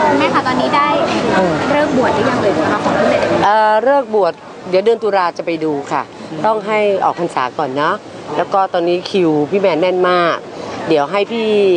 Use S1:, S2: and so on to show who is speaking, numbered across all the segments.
S1: แม่ค่ะตอนนี้ได้เริ่มบวชหรือยังเลยคะของพี่เล็ก
S2: เลิกบวชเดี๋ยวเดือนตุลาจะไปดูค่ะต้องให้ออกพรรษาก่อนนะแล้วก็ตอนนี้คิวพี่แมนแน่นมากเดี๋ยวให้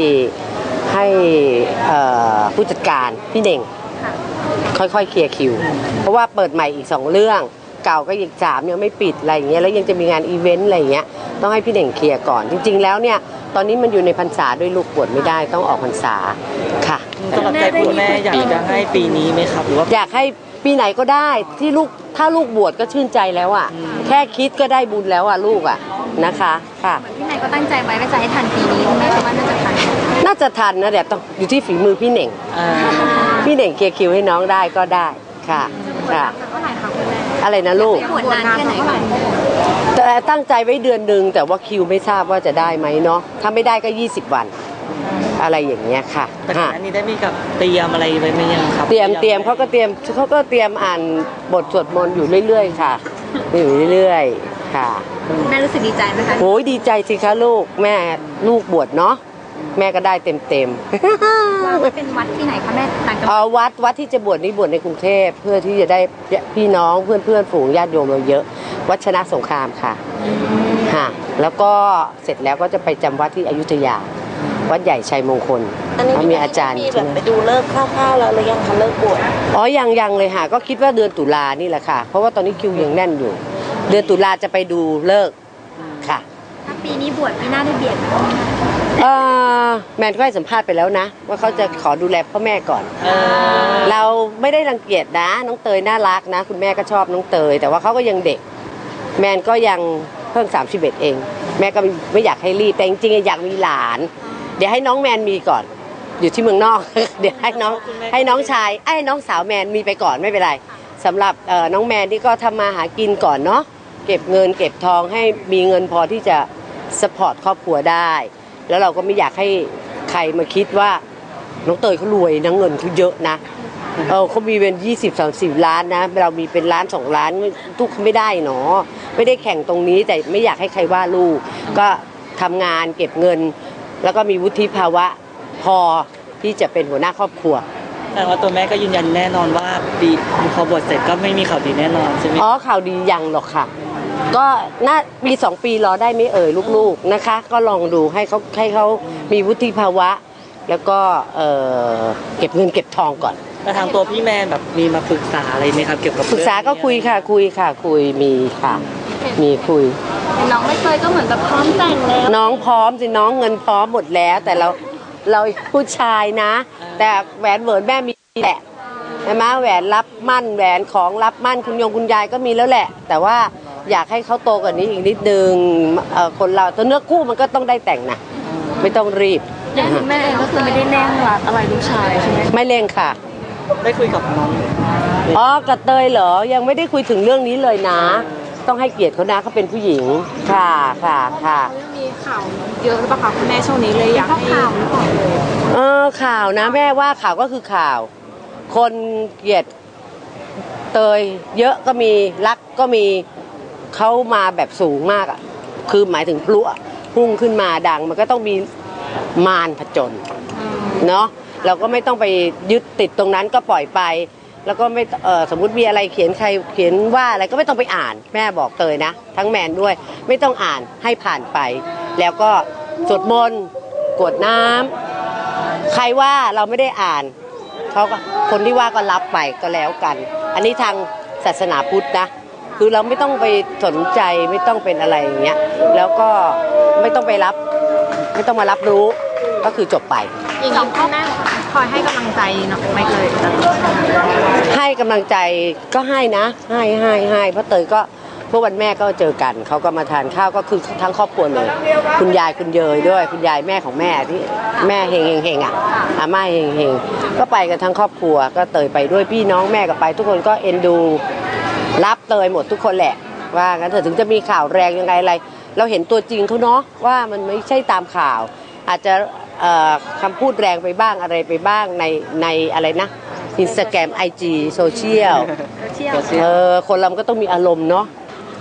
S2: ผู้จัดการพี่เน่งค่อยๆเคลียร์คิวเพราะว่าเปิดใหม่อีก2เรื่องเก่าก็อีก3ยังไม่ปิดอะไรอย่างเงี้ยแล้วยังจะมีงานอีเวนต์อะไรอย่างเงี้ยต้องให้พี่เน่งเคลียร์ก่อนจริงๆแล้วเนี่ยตอนนี้มันอยู่ในพรรษาด้วยลูกบวชไม่ได้ต้องออกพรรษาค่ะ
S3: สำหรับใจคุณแม่อยากจะให้ปีนี้ไหมครับหรือว่า
S2: อยากให้ปีไหนก็ได้ที่ลูกถ้าลูกบวชก็ชื่นใจแล้วอ่ะแค่คิดก็ได้บุญแล้วอ่ะลูกอ่ะนะคะค่ะ
S1: พี่นายก็ตั้งใจไว้ว่าจะให้ทันปีนี้คุณแม่คิดว่าน่าจะทัน
S2: นะเดี๋ยวต้องอยู่ที่ฝีมือพี่เน่งพี่เน่งเคลียร์คิวให้น้องได้ก็ได้ค่ะค่ะอะไรนะลูก
S1: บวชนานแค่ไหนคะ
S2: แต่ตั้งใจไว้เดือนหนึ่งแต่ว่าคิวไม่ทราบว่าจะได้ไหมเนาะถ้าไม่ได้ก็20 วันอะไรอย่างเงี้ยค่ะ
S3: แต่ก่อนนี้ได้มีกับเตรียมอะไรไว้ไหมยังครับ
S2: เตรียมเขาก็เตรียมอ่านบทสวดมนต์อยู่เรื่อยๆค่ะอยู่เรื่อยๆค่ะ
S1: แม่รู้สึกดีใจไหมคะ
S2: โอ้ยดีใจสิคะลูกแม่ลูกบวชเนาะแม่ก็ได้เต็ม
S1: เป็นวัดที่ไหนคะแม่ต่างจังห
S2: วัดวัดที่จะบวชนี่บวชในกรุงเทพเพื่อที่จะได้พี่น้องเพื่อนฝูงญาติโยมเราเยอะวัดชนะสงครามค่ะค่ะแล้วก็เสร็จแล้วก็จะไปจำวัดที่อยุธยาวัดใหญ่ชัยมงคลมีอาจารย์
S4: ไปดูเลิกคร่าวๆแล้วหรือยังคะเลิกบวช
S2: ยังเลยค่ะก็คิดว่าเดือนตุลานี่แหละค่ะเพราะว่าตอนนี้คิวยังแน่นอยู่เดือนตุลาจะไปดูเลิกค่ะ
S1: ถ้าปีนี้บวชปีหน้าได้เบียดไหม
S2: แมนก็ให้สัมภาษณ์ไปแล้วนะว่าเขาจะขอดูแลพ่อแม่ก่อนเราไม่ได้รังเกียจนะน้องเตยน่ารักนะคุณแม่ก็ชอบน้องเตยแต่ว่าเขาก็ยังเด็กแมนก็ยังเพิ่ง31เองแม่ก็ไม่อยากให้รีบแต่จริงๆอยากมีหลานเดี๋ยวให้น้องแมนมีก่อนอยู่ที่เมืองนอกเดี๋ยวให้น้องชายให้น้องสาวแมนมีไปก่อนไม่เป็นไรสำหรับน้องแมนที่ก็ทำมาหากินก่อนเนาะเก็บเงินเก็บทองให้มีเงินพอที่จะซัพพอร์ตครอบครัวได้แล้วเราก็ไม่อยากให้ใครมาคิดว่าน้องเตยเขารวยนะเงินเขาเยอะนะเขามีเป็น20-30 ล้านนะเรามีเป็น1-2 ล้านทุกไม่ได้เนาะไม่ได้แข่งตรงนี้แต่ไม่อยากให้ใครว่าลูกก็ทำงานเก็บเงินแล้วก็มีวุฒิภาวะพอที่จะเป็นหัวหน้าครอบครัว
S3: แต่ว่าตัวแม่ก็ยืนยันแน่นอนว่าปีพอบวชเสร็จก็ไม่มีข่าวดีแน่นอนใช่ไหม
S2: ข่าวดียังหรอกค่ะก็น่าปี2 ปีรอได้ไม่ลูกๆนะคะก็ลองดูให้เขามีวุฒิภาวะแล้วก็เก็บเงินเก็บทองก่อน
S3: แต่ทางตัวพี่แมนแบบมีมาปรึกษาอะไรไหมครับเกี่ยวกับ
S2: ปรึกษาก็คุยมีค่ะมีคุย
S1: น้องไม่เคยก็เหมือนแบบพร้อมแต่งแล้ว
S2: น้องพร้อมสิน้องเงินพร้อมหมดแล้วแต่เราผู้ชายนะแต่แหวนเหวินแม่มีแหละใช่ไหมแหวนรับมั่นแหวนของรับมั่นคุณยายก็มีแล้วแหละแต่ว่าอยากให้เขาโตกว่านี้อีกนิดนึงคนเราตัวเนื้อคู่มันก็ต้องได้แต่งนะไม่ต้องรีบ
S1: แม่ก็คือไม่ได้แน่งรักอะไรลูกชายใช่ไหม
S2: ไม่เร่งค่ะ
S3: ได้คุยกับน้อง
S2: กับเตยเหรอยังไม่ได้คุยถึงเรื่องนี้เลยนะต้องให้เกียรติเขานะเขาเป็นผู้หญิงค่ะ
S1: มีข่าวเยอะหรือเปล่าคะคุณแม่ช่วงนี้เลยอยากให้ข่าวหรือเปล่า
S2: ข่าวนะแม่ว่าข่าวก็คือข่าวคนเกลียดเตยเยอะก็มีรักก็มีเขามาแบบสูงมากอ่ะคือหมายถึงพลุพุ่งขึ้นมาดังมันก็ต้องมีมารผจญเนาะเราก็ไม่ต้องไปยึดติดตรงนั้นก็ปล่อยไปแล้วก็ไม่สมมุติมีอะไรเขียนว่าอะไรก็ไม่ต้องไปอ่านแม่บอกเตยนะทั้งแมนด้วยไม่ต้องอ่านให้ผ่านไปแล้วก็สวดมนต์กรวดน้ำใครว่าเราไม่ได้อ่านเขาก็คนที่ว่าก็รับไปก็แล้วกันอันนี้ทางศาสนาพุทธนะคือเราไม่ต้องไปสนใจไม่ต้องเป็นอะไรอย่างเงี้ยแล้วก็ไม่ต้องมารับรู้ก็คือจบไป
S1: อีกสองข้อแม่คอยให้กำลังใจเนาะไม่เลย
S2: ให้กำลังใจก็ให้นะให้เพราะเตยก็เมื่อวันแม่ก็เจอกันเขาก็มาทานข้าวก็คือทั้งครอบครัวเลยคุณยายคุณเยยด้วยคุณยายแม่ของแม่ที่แม่เฮงอ่ะอาม่าเฮงก็ไปกันทั้งครอบครัวก็เตยไปด้วยพี่น้องแม่ก็ไปทุกคนก็เอ็นดูรับเตยหมดทุกคนแหละว่างั้นเถอะถึงจะมีข่าวแรงยังไงอะไรเราเห็นตัวจริงเขาเนาะว่ามันไม่ใช่ตามข่าวอาจจะคำพูดแรงไปบ้างอะไรไปบ้างในอะไรนะ Instagram IG โซเชียลคนเราก็ต้องมีอารมณ์เนาะ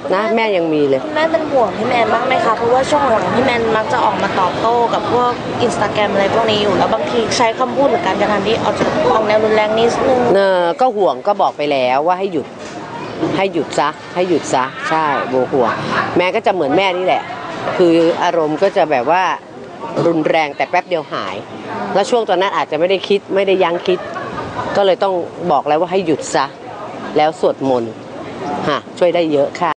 S2: นะแม่ยังมีเลย
S4: คุณแม่เป็นห่วงพี่แมนบ้างไหมคะเพราะว่าช่วงหลังพี่แมนมักจะออกมาตอบโต้กับพวกอินสตาแกรมอะไรพวกนี้อยู่แล้วบางทีใช้คำพูดหรือการกระทำที่ออกแนวรุนแรงนิดนึง
S2: ก็ห่วงก็บอกไปแล้วว่าให้หยุดซะให้หยุดซะใช่โบห่วงแม่ก็จะเหมือนแม่นี่แหละ คืออารมณ์ก็จะแบบว่ารุนแรงแต่แป๊บเดียวหาย แล้วช่วงตอนนั้นอาจจะไม่ได้คิดไม่ได้ยั้งคิด ก็เลยต้องบอกแล้วว่าให้หยุดซะแล้วสวดมนต์ช่วยได้เยอะค่ะ